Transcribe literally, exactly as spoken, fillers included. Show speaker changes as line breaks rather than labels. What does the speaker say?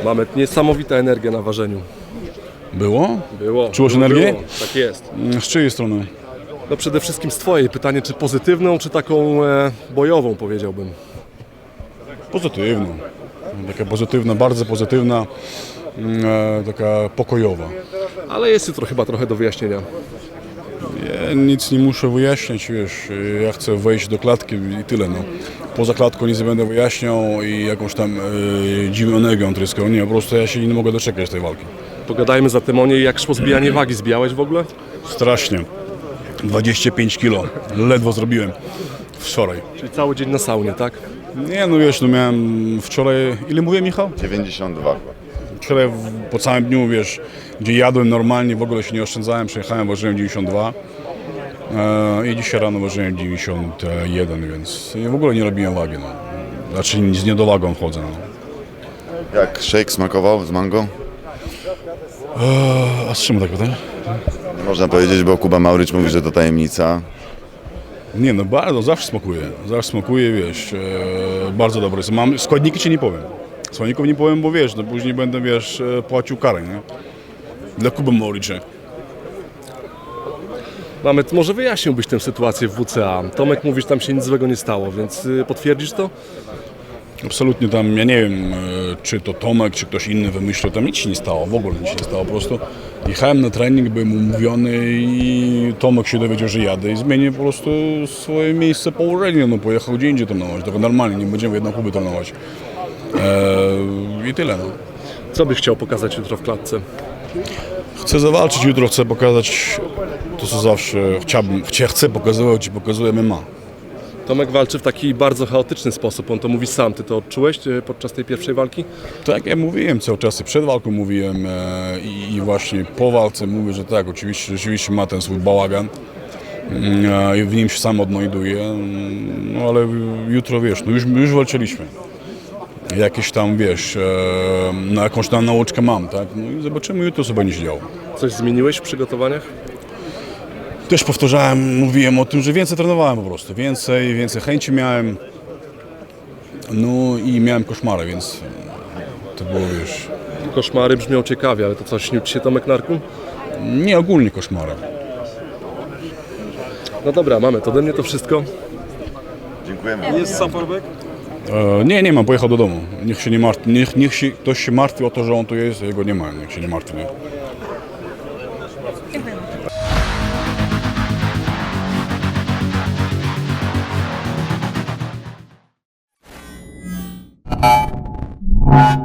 Mamy niesamowita energia na ważeniu.
Było?
Było.
Czułeś
było,
energię?
było. Tak jest.
Z czyjej strony?
No przede wszystkim z twojej. Pytanie, czy pozytywną, czy taką e, bojową, powiedziałbym.
Pozytywną. Taka pozytywna, bardzo pozytywna, mm, e, taka pokojowa.
Ale jest jutro chyba trochę do wyjaśnienia.
Ja nic nie muszę wyjaśniać, wiesz, ja chcę wejść do klatki i tyle, no. Poza klatką nic nie będę wyjaśniał i jakąś tam e, dziwną energią tryską. Nie, po prostu ja się nie mogę doczekać tej walki.
Pogadajmy zatem o niej, jak szło zbijanie wagi. Zbijałeś w ogóle?
Strasznie. dwadzieścia pięć kilo. Ledwo zrobiłem wczoraj.
Czyli cały dzień na saunie, tak?
Nie, no wiesz, no miałem wczoraj... Ile mówiłem, Michał?
dziewięćdziesiąt dwa.
Wczoraj w- po całym dniu, wiesz, gdzie jadłem normalnie, w ogóle się nie oszczędzałem, przyjechałem, ważyłem dziewięćdziesiąt dwa e, i dzisiaj rano ważyłem dziewięćdziesiąt jeden, więc w ogóle nie robiłem wagi, no. Znaczy z niedowagą chodzę, no.
Jak shake smakował z mango?
E, a z czym tak pytasz?
Nie można powiedzieć, bo Kuba Maurycz mówi, że to tajemnica.
Nie, no bardzo, zawsze smakuje, zawsze smakuje, wiesz, e, bardzo dobre jest. Mam, składniki ci nie powiem, składników nie powiem, bo wiesz, no później będę, wiesz, e, płacił karę, nie? Dla Kuby Maurycza.
Mamy, może wyjaśniłbyś tę sytuację w W C A. Tomek mówi, że tam się nic złego nie stało, więc y, potwierdzisz to?
Absolutnie tam, ja nie wiem, e, czy to Tomek, czy ktoś inny wymyślił, tam nic się nie stało, w ogóle nic się nie stało, po prostu jechałem na trening, byłem umówiony i Tomek się dowiedział, że jadę i zmienię po prostu swoje miejsce położenia, no pojechał gdzie indziej trenować, tylko normalnie, nie będziemy w jedną Kubę trenować. E, I tyle, no.
Co byś chciał pokazać jutro w klatce?
Chcę zawalczyć jutro, chcę pokazać to, co zawsze chciałbym, chcia- chcę pokazywać i pokazuję M M A.
Tomek walczy w taki bardzo chaotyczny sposób, on to mówi sam. Ty to odczułeś y, podczas tej pierwszej walki?
Tak jak ja mówiłem cały czas, i przed walką mówiłem e, i, i właśnie po walce mówię, że tak, oczywiście, rzeczywiście ma ten swój bałagan mm, e, i w nim się sam odnajduje, mm, no ale jutro, wiesz, no już, już walczyliśmy. Jakieś tam, wiesz, e, na jakąś tam nauczkę mam, tak, no i zobaczymy jutro, co będzie się działo.
Coś zmieniłeś w przygotowaniach?
Też powtarzałem, mówiłem o tym, że więcej trenowałem po prostu, więcej, więcej chęci miałem, no i miałem koszmary, więc to było, wiesz,
Koszmary brzmią ciekawie, ale to co, śnił ci się Tomek Narku?
nie ogólnie koszmary.
No dobra, mamy, to ode mnie to wszystko.
Dziękujemy.
Jest Saporbeck?
E, nie, nie mam, pojechał do domu. Niech się nie martwi, niech, niech się, ktoś się martwi o to, że on tu jest, a jego nie ma, niech się nie martwi. Nie?
You